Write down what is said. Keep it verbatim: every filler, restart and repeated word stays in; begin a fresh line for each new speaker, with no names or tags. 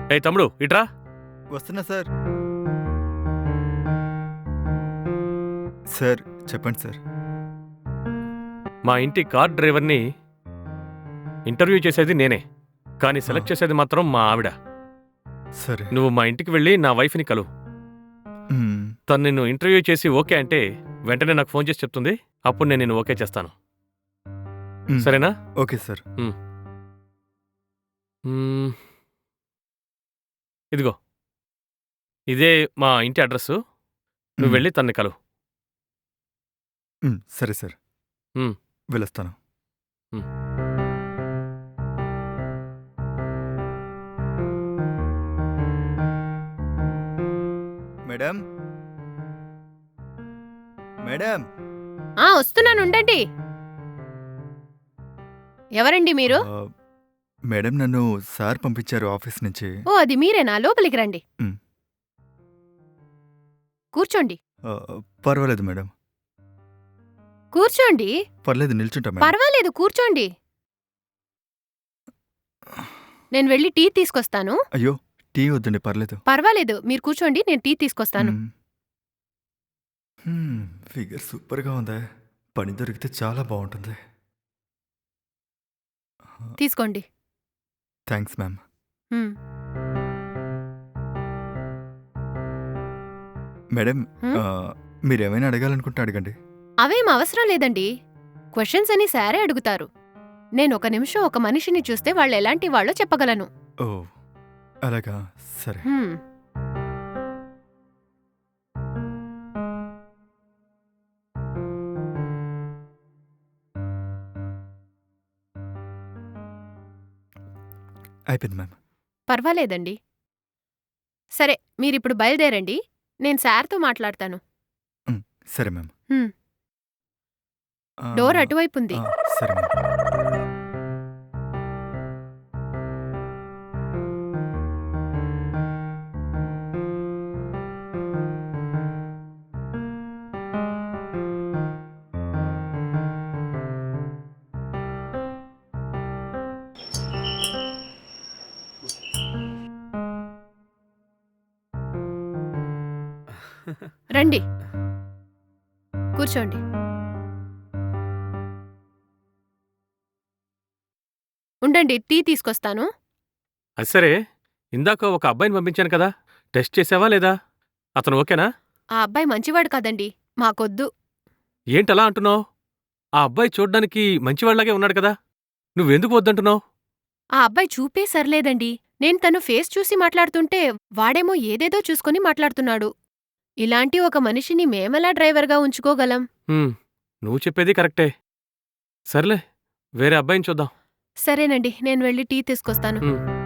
ఏ తమ్ముడు ఇట్రా.
వస్తున్నా సార్. సార్ చెప్పండి సార్.
మా ఇంటి కార్ డ్రైవర్ని ఇంటర్వ్యూ చేసేది నేనే, కానీ సెలెక్ట్
ఆ.
చేసేది మాత్రం మా ఆవిడ.
సరే.
నువ్వు మా ఇంటికి వెళ్ళి నా వైఫ్ని కలువు.
మ్మ్.
తను నిన్ను ఇంటర్వ్యూ చేసి ఓకే అంటే వెంటనే నాకు ఫోన్ చేసి చెప్తుంది. అప్పుడు నేను నిన్ను ఓకే చేస్తాను.
మ్మ్.
సరేనా?
Okay sir.
మ్మ్. ఇదిగో ఇదే మా ఇంటి అడ్రస్. నువ్వు
మ్మ్.
వెళ్ళి తన్ని కలువు.
మ్మ్. సరే సార్.
మ్మ్.
వెళ్ళొస్తాను.
మ్మ్.
మేడం మేడం
ఆ వస్తున్నాను, ఉండండి. ఎవరండి మీరు?
ఆ, మేడం నన్ను సార్ పంపించారు ఆఫీస్ నుంచి.
ఓ అది మీరేనా? లోపలికి రండి.
మ్.
కూర్చోండి
ఆ, పర్వాలేదు మేడం.
కూర్చోండి.
పర్లేదు నిల్చుంటా మేడం.
పర్వాలేదు, కూర్చోండి. నేను వెళ్ళి టీ తీసుకొస్తాను.
అయ్యో టీ వద్దండి, పర్లేదు.
పర్వాలేదు, మీరు కూర్చోండి, నేను టీ తీసుకొస్తాను.
మ్మ్. మ్మ్, ఫిగర్ సూపర్గా ఉందా. పని దొరికితే చాలా బాగుంటుంది.
తీసుకోండి.
Thanks ma'am.
హ్మ్.
మేడం
హ్మ్?
ఆ, మీరేమైనా అడగాలనుకుంటే అడగండి.
అవేం అవసరం లేదండి. క్వశ్చన్స్ అని సారే అడుగుతారు. నేను ఒక నిమిషం ఒక మనిషిని చూస్తే వాళ్ళు ఎలాంటి వాళ్ళో చెప్పగలను.
ఓ అలాగా, సరే.
హ్మ్.
అయిపోయింది మ్యామ్.
పర్వాలేదండి. సరే, మీరిప్పుడు బయలుదేరండి. నేను సార్తో మాట్లాడతాను.
మ్మ్, సరే మ్యామ్.
హ్మ్.
ఆ,
డోర్ అటువైపుంది.
ఆ, సరే మ్యామ్.
రండి, కూర్చోండి. ఉండండి, టీ తీసుకొస్తాను.
అది సరే, ఇందాక ఒక అబ్బాయిని పంపించాను కదా, టెస్ట్ చేసావా లేదా? అతను ఓకేనా?
ఆ అబ్బాయి మంచివాడు కాదండి, మాకొద్దు.
ఏంటలా అంటున్నావు? ఆ అబ్బాయి చూడ్డానికి మంచివాళ్లాగే ఉన్నాడు కదా, నువ్వెందుకు వద్దంటున్నావు?
ఆ అబ్బాయి చూపే సర్లేదండి. నేను తను ఫేస్ చూసి మాట్లాడుతుంటే వాడేమో ఏదేదో చూసుకొని మాట్లాడుతున్నాడు. ఇలాంటి ఒక మనిషిని మేమెలా డ్రైవర్గా ఉంచుకోగలం?
హ్మ్, నువ్వు చెప్పేది కరెక్టే. సర్లే, వేరే అబ్బాయిని చూద్దాం.
సరేనండి, నేను వెళ్ళి టీ తీసుకొస్తాను.
హ్మ్.